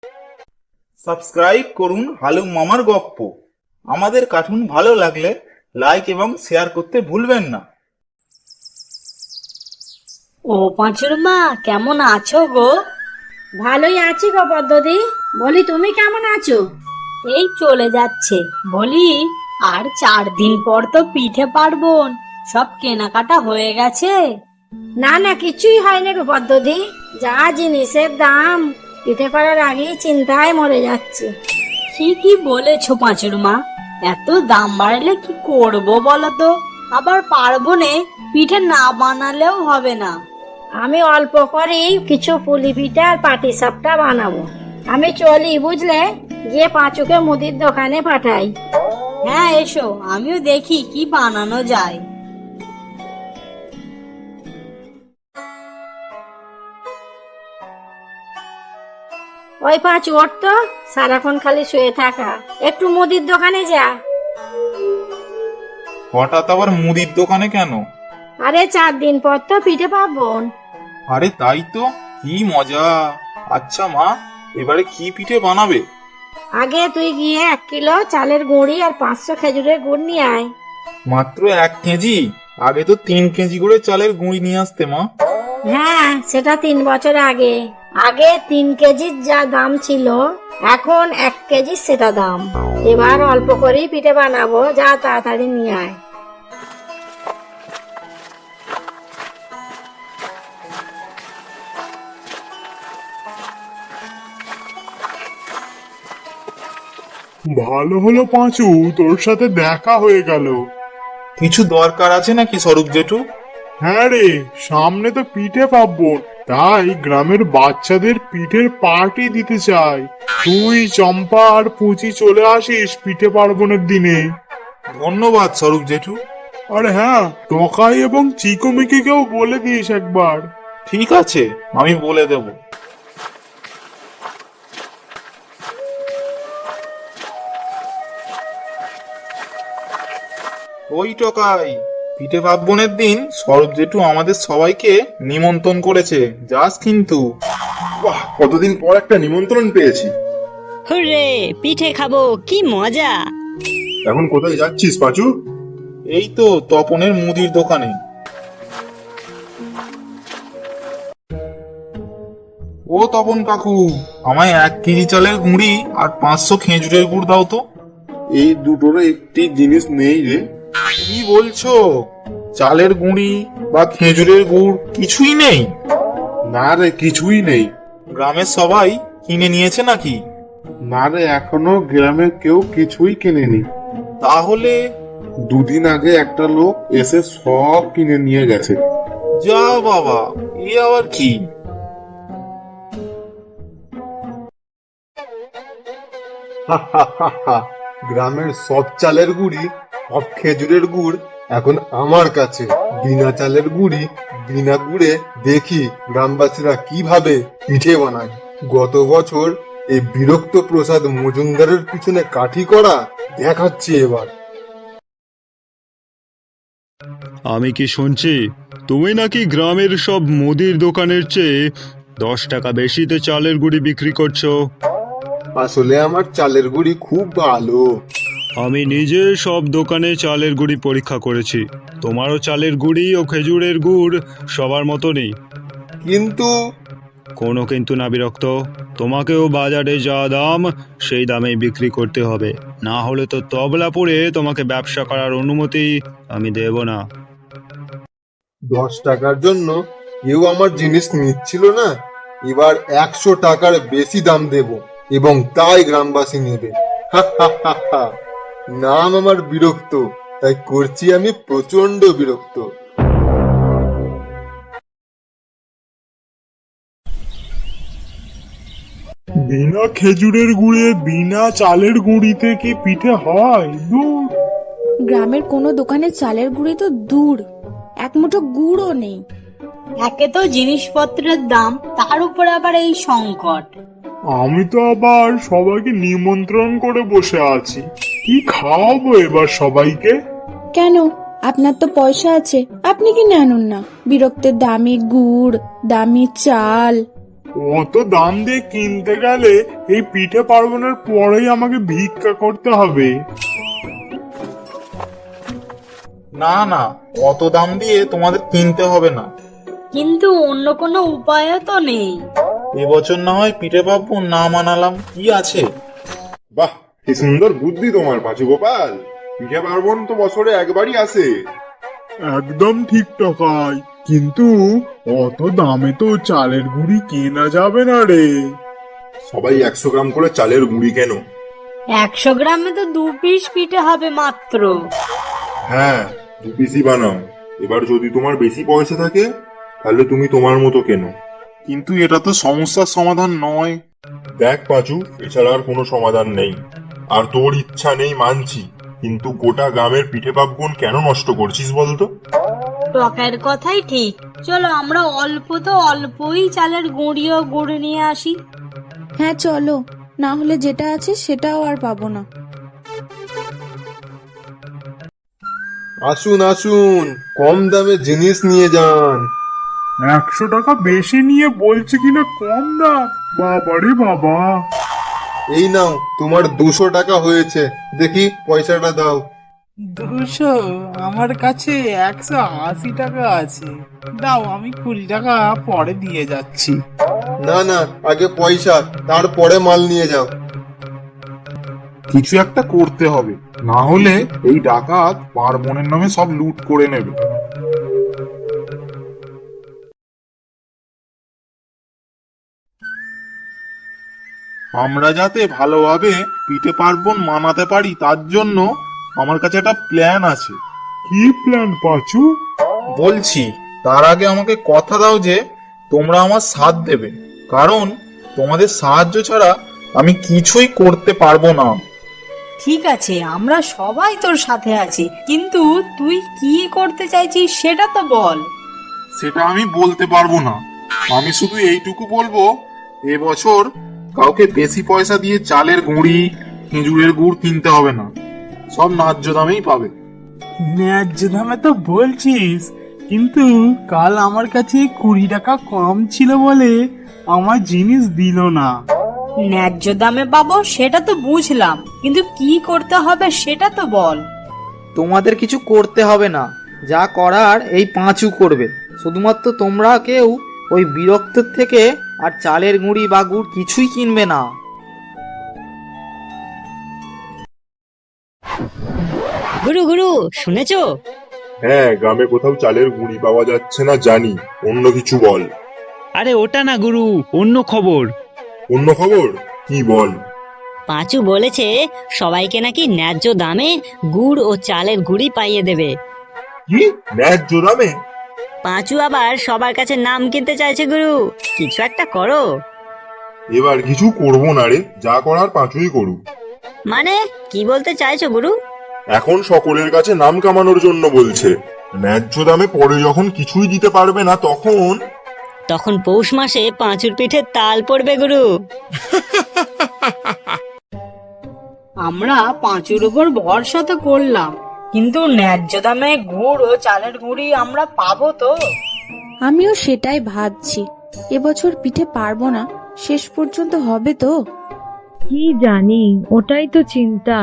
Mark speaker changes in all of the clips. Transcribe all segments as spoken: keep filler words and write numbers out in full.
Speaker 1: Subscribe করুন হালুম মামার গপ্প। আমাদের কার্টুন ভালো লাগলে লাইক এবং শেয়ার করতে ভুলবেন না।
Speaker 2: ও পাঁচুর মা, কেমন আছো গো?
Speaker 3: ভালোই আছি গো পদ্মদি। বলি তুমি কেমন আছো?
Speaker 2: এই চলে যাচ্ছে। বলি, আর চার দিন পর তো পিঠে পার্বণ, সব কেনাকাটা হয়ে গেছে?
Speaker 3: না না, কিছুই হয়নি গো পদ্মদি। যা জিনিসের দাম, পিঠে পাড়ার আগেই চিন্তায় মরে যাচ্ছে।
Speaker 2: কি কি বলেছো পাঁচুর মা? এত দাম বাড়লে কি করব বলো তো? আবার পার্বণে পিঠে না বানালেও হবে না।
Speaker 3: আমি অল্প করেই কিছু পুলি পিঠে আর পাটি সাপটা বানাবো। আমি চলি, বুঝলে, গিয়ে পাঁচুকে মুদির দোকানে পাঠাই।
Speaker 2: হ্যাঁ এসো, আমিও দেখি কি বানানো যায়।
Speaker 3: ওই পাঁচু, ওর তো সারাক্ষণ খালি শুয়ে থাকা, একটু মুদির দোকানে যা।
Speaker 1: হঠাৎ আবার মুদির দোকানে কেন?
Speaker 3: আরে চার দিন পর তো পিঠে পার্বণ।
Speaker 1: আরে তাই তো, কি মজা। আচ্ছা মা, এবারে কি পিঠে বানাবে?
Speaker 3: আগে তুই গিয়ে এক কিলো চালের গুঁড়ি আর পাঁচশো খেজুরের গুড় নিয়ে আয়।
Speaker 1: মাত্র এক কেজি? আগে তো তিন কেজি করে চালের গুঁড়ি নিয়ে আসতে মা।
Speaker 3: হ্যাঁ, সেটা তিন বছর আগে। আগে তিন কেজির যা দাম ছিল, এখন এক কেজি সেটা দাম। এবার অল্প করেই পিঠে বানাবো, যা তাড়াতাড়ি নিয়ে আয়।
Speaker 4: ভালো হলো পাঁচু, তোর সাথে দেখা হয়ে গেল।
Speaker 1: কিছু দরকার আছে নাকি স্বরূপ জেঠু?
Speaker 4: হ্যাঁ রে, সামনে তো পিঠে পার্বণ, তাই গ্রামের বাচ্চাদের পিঠের পার্টি দিতে চাই। তুই, চম্পা আর পুচি চলে আসিস পিঠে পার্বণের দিনে।
Speaker 1: ধন্যবাদ স্বরূপ জেঠু।
Speaker 4: আরে হ্যাঁ, টকাই এবং চিকুমিকিকেও বলে দিস একবার।
Speaker 1: ঠিক আছে, আমি বলে দেব। ওই টকাই, পিঠে পার্বণের দিন স্বরূপ জেঠু আমাদের সবাইকে নিমন্ত্রণ করেছে, যাস কিন্তু।
Speaker 5: বাহ, কতদিন পর একটা নিমন্ত্রণ পেয়েছি।
Speaker 6: হুররে, পিঠে খাবো, কি মজা!
Speaker 5: এখন কোথায় যাচ্ছিস পাঁচু?
Speaker 1: এই তো তপনের মুদির দোকানে। ও তপন কাকু, আমায় এক কেজি চালের গুঁড়ি আর পাঁচশো খেজুরের গুড় দাও তো।
Speaker 5: এই দুটোর একটি জিনিস নেই রে।
Speaker 1: কি বলছো? চালের গুঁড়ি বা খেজুরের গুড় কিছুই নেই?
Speaker 5: না রে, কিছুই নেই।
Speaker 1: গ্রামের সবাই কিনে নিয়েছে নাকি?
Speaker 5: না রে, এখনো গ্রামের কেউ কিছুই কেনেনি।
Speaker 1: তাহলে
Speaker 5: দুদিন আগে একটা লোক এসে সব কিনে নিয়ে গেছে।
Speaker 1: যা বাবা, এ আবার কি?
Speaker 5: গ্রামের সব চালের গুড়ি, সব খেজুরের গুড় এখন আমার কাছে। বিনা চালের গুড়ি, বিনা গুড়ে দেখি গ্রামবাসীরা কিভাবে পিঠে বানায়। গত বছর এই বিরক্ত প্রসাদ মজুমদারের পিছনে কাঠি করা দেখাচ্ছি এবার।
Speaker 7: আমি কি শুনছি তুমি নাকি গ্রামের সব মুদির দোকানের চেয়ে দশ টাকা বেশিতে চালের গুঁড়ি বিক্রি করছো?
Speaker 5: আসলে আমার চালের গুড়ি খুব ভালো।
Speaker 7: আমি নিজে সব দোকানে চালের গুঁড়ি পরীক্ষা করেছি। তোমারও চালের গুঁড়ি ও খেজুরের গুড় সবার মতো নেই।
Speaker 5: কিন্তু
Speaker 7: কোনো কিন্তু না বিরক্ত, তোমাকেও বাজারে যা দাম সেই দামেই বিক্রি করতে হবে, না হলে তো তবলা পড়ে তোমাকে ব্যবসা করার অনুমতি আমি দেব না।
Speaker 5: দশ টাকার জন্য কেউ আমার জিনিস নিচ্ছিল না, এবার একশো টাকার বেশি দাম দেব এবং তাই গ্রামবাসী নেবে। নাম আমার বিরক্ত, তাই করছি আমি প্রচন্ড বিরক্ত।
Speaker 4: বিনা খেজুরের গুড়ে, বিনা চালের গুঁড়িতে কি পিঠে হয়? দূর।
Speaker 8: গ্রামের কোনো দোকানে চালের গুঁড়ি তো দূর, এক মুঠো গুড়ও নেই।
Speaker 2: একে তো জিনিসপত্রের দাম, তার উপরে আবার এই সংকট।
Speaker 4: আমি তো আবার সবাইকে নিমন্ত্রণ করে বসে আছি, কি খাওয়াবো এবার সবাইকে?
Speaker 8: কেন, আপনার তো পয়সা আছে, আপনি কি আনুন না? বিরক্তের দামি গুড়, দামি চাল।
Speaker 4: অত দাম দিয়ে কিনতে গেলে এই পিঠে পার্বণের পরেই আমাকে ভিক্ষা করতে হবে।
Speaker 1: না না, অত দাম দিয়ে তোমাদের কিনতে হবে না।
Speaker 2: কিন্তু অন্য কোনো উপায়ও তো নেই।
Speaker 1: এবছর না হয় পিঠে পার্বণ না মানালাম, কি আছে।
Speaker 5: বাহ, কি সুন্দর বুদ্ধি তোমার পাঁচু গোপাল। পিঠে পার্বণ তো বছরে একবারই আসে।
Speaker 4: একদম ঠিক টাকায়, কিন্তু অত দামে তো চালের গুঁড়ি কেনা যাবে না রে।
Speaker 5: সবাই একশো গ্রাম করে চালের গুঁড়ি কেন।
Speaker 2: একশো গ্রামে তো দু পিস পিঠে হবে মাত্র।
Speaker 5: হ্যাঁ, দু পিসি বানাও। এবার যদি তোমার বেশি পয়সা থাকে তাহলে তুমি তোমার মতো কেন।
Speaker 1: কিন্তু এটা তো সমস্যার সমাধান নয়।
Speaker 5: দেখ পাঁচু, এছাড়া আর কোনো সমাধান নেই। আর তোর ইচ্ছা নেই মানছি, কিন্তু গোটা গ্রামের পিঠে পার্বণ কেন নষ্ট করছিস বলতো?
Speaker 2: টকের কথাই ঠিক। চলো আমরা অল্প তো অল্পই চালের গুঁড়িও গুড় নিয়ে আসি।
Speaker 8: হ্যাঁ চলো, না হলে যেটা আছে সেটাও আর পাবো না।
Speaker 5: আসুন আসুন, কম দামে জিনিস নিয়ে যান।
Speaker 4: একশো টাকা বেশি নিয়ে বলছে কিনা কম দাম, বাবারে বাবা।
Speaker 5: এই নাও, তোমার দুশো টাকা হয়েছে। দেখি পয়সাটা দাও।
Speaker 9: দুশো? আমার কাছে একশো আশি টাকা আছে। দাও, আমি কুড়ি টাকা পরে দিয়ে যাচ্ছি।
Speaker 5: না না, আগে পয়সা, তারপরে মাল নিয়ে যাও।
Speaker 1: কিছু একটা করতে হবে, না হলে এই ডাকাত পার্বণের নামে সব লুট করে নেবে। আমরা যাতে ভালোভাবে পিঠে পার্বণ মানাতে পারি তার জন্য আমার কাছে একটা প্ল্যান আছে।
Speaker 4: কি প্ল্যান পাঁচু?
Speaker 1: বলছি, তার আগে আমাকে কথা দাও যে তোমরা আমার সাথ দেবে, কারণ তোমাদের সাহায্য ছাড়া আমি কিছুই করতে পারবো না।
Speaker 2: ঠিক আছে, আমরা সবাই তোর সাথে আছি, কিন্তু তুই কি করতে চাইছিস সেটা তো বল।
Speaker 1: সেটা আমি বলতে পারবো না। আমি শুধু এইটুকু বলবো, এবছর কাউকে বেশি পয়সা দিয়ে চালের গুঁড়ি, খেজুরের গুড় কিনতে হবে না, সব ন্যায্য দামেই পাবে।
Speaker 9: ন্যায্য দামে তো বলছিস, কিন্তু কাল আমার কাছে কুড়ি টাকা কম ছিল বলে আমার জিনিস দিল না।
Speaker 2: ন্যায্য দামে পাবো সেটা তো বুঝলাম, কিন্তু কি করতে হবে সেটা তো বল।
Speaker 10: তোমাদের কিছু করতে হবে না, যা করার এই পাঁচু করবে। শুধুমাত্র তোমরা কেউ ওই বিরক্ত থেকে আর চালের গুঁড়ি বা গুড় কিছুই কিনবে না।
Speaker 6: গুরু গুরু শুনেছো?
Speaker 5: হ্যাঁ, গ্রামে কোথাও চালের গুঁড়ি পাওয়া যাচ্ছে না জানি। অন্য কিছু বল।
Speaker 7: আরে ওটা না গুরু, অন্য খবর।
Speaker 5: অন্য খবর কি বল?
Speaker 6: পাঁচু বলেছে সবাইকে নাকি ন্যায্য দামে গুড় ও চালের গুঁড়ি পাইয়ে দেবে।
Speaker 5: কি ন্যায্য দামে?
Speaker 6: পাঁচু আবার সবার কাছে নাম কিনতে চাইছে গুরু, কিছু একটা করো।
Speaker 5: এবার কিছু করবো না রে, যা করার পাঁচুই করুক।
Speaker 6: মানে কি বলতে চাইছো গুরু?
Speaker 5: এখন সকলের কাছে নাম কামানোর জন্য বলছে। ন্যায্য দামে পরে যখন কিছুই দিতে পারবে না তখন
Speaker 6: তখন পৌষ মাসে পাঁচুর পিঠে তাল পড়বে গুরু।
Speaker 2: আমরা পাঁচুর উপর ভরসা তো করলাম, কিন্তু ন্যায্য দামে গুড় ও চালের গুঁড়ি আমরা পাবো তো?
Speaker 8: আমিও সেটাই ভাবছি, এবছর পিঠে পারবো না, শেষ পর্যন্ত হবে তো?
Speaker 11: কি জানি, ওটাই তো চিন্তা।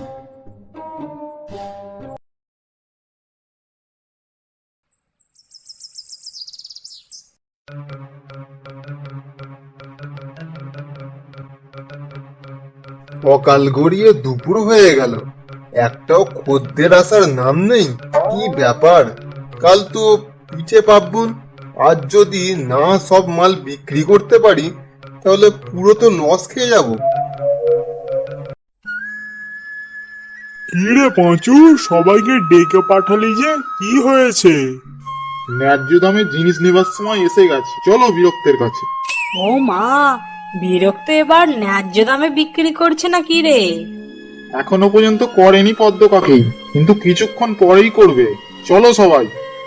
Speaker 5: অকাল গড়িয়ে দুপুর হয়ে গেল, একটাও খদ্দের আসার নাম নেই। কি ব্যাপার? কাল তো পিঠে পার্বণ, আজ যদি না সব মাল বিক্রি করতে পারি তাহলে পুরো তো লস খেয়ে যাব।
Speaker 4: কি রে পাঁচু, সবাইকে ডেকে পাঠালি যে, কি হয়েছে?
Speaker 1: ন্যায্য দামে জিনিস নেবার সময় এসে গেছে, চলো বিরক্তের কাছে।
Speaker 2: ও মা, বিরক্ত এবার ন্যায্য দামে বিক্রি করছে না কি রে?
Speaker 1: এখনো পর্যন্ত করেনি পদ্ম কাকেই, কিন্তু কিছুক্ষণ পরেই করবে, চলো সবাই।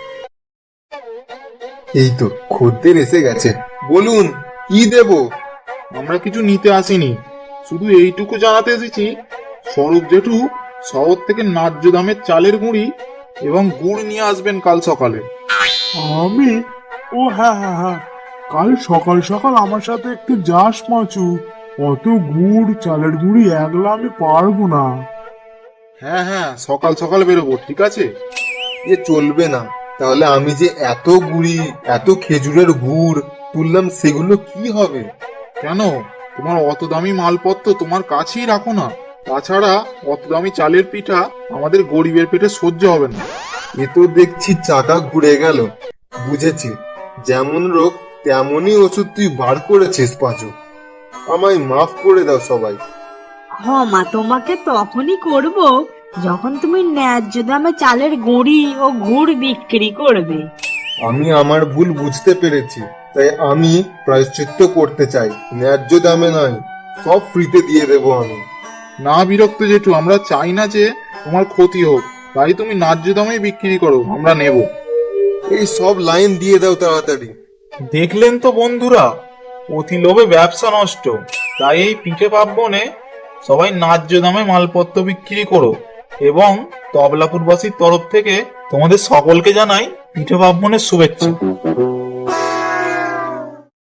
Speaker 5: এই তো খদ্দের এসে গেছে, বলুন কি দেব?
Speaker 1: আমরা কিছু নিতে আসিনি, শুধু এইটুকু জানাতে এসেছি, স্বরূপ জেঠু শহর থেকে ন্যায্য দামের চালের গুঁড়ি এবং গুড় নিয়ে আসবেন কাল সকালে।
Speaker 4: আমি? ও হ্যাঁ হ্যাঁ হ্যাঁ, কাল সকাল সকাল আমার সাথে একটু যাস পাঁচু। অত গুড় চালের গুড়ি একলা আমি পারবো না।
Speaker 1: হ্যাঁ হ্যাঁ, সকাল সকাল বেরোবো, ঠিক আছে?
Speaker 5: এ চলবে না। তাহলে আমি যে এত গুড়ি এত খেজুরের গুড় তুললাম সেগুলো কি হবে?
Speaker 1: কেন, তোমার অত দামি মালপত্র তোমার কাছেই রাখো না। তাছাড়া অত দামি চালের পিঠা আমাদের গরিবের পেটে সহ্য হবে না।
Speaker 5: এ তো দেখছি চাকা ঘুরে গেল। বুঝেছি, যেমন রোগ তেমনই ওষুধ তুই বার করেছিস পাঁচু। আমায় মাফ করে দাও সবাই।
Speaker 2: ক্ষমা তোমাকে তখনই করব যখন তুমি ন্যায্য দামে চালের গুঁড়ি ও গুড় বিক্রি করবে।
Speaker 5: আমি আমার ভুল বুঝতে পেরেছি, তাই আমি প্রায়শ্চিত্ত করতে চাই। ন্যায্য দামে নয়, সব ফ্রিতে দিয়ে দেবো আমি।
Speaker 1: না বিরক্ত জেঠু, আমরা চাই না যে তোমার ক্ষতি হোক, তাই তুমি ন্যায্য দামে বিক্রি করো, আমরা নেব।
Speaker 5: এই সব লাইন দিয়ে দাও তাড়াতাড়ি।
Speaker 1: দেখলেন তো বন্ধুরা, অতি লোভে ব্যবসা নষ্ট। তাই এই পিঠে পার্বণে সবাই ন্যায্য দামে মালপত্র বিক্রি করো। এবং তবলাপুরবাসীর তরফ থেকে তোমাদের সকলকে জানাই পিঠে পার্বণের শুভেচ্ছা।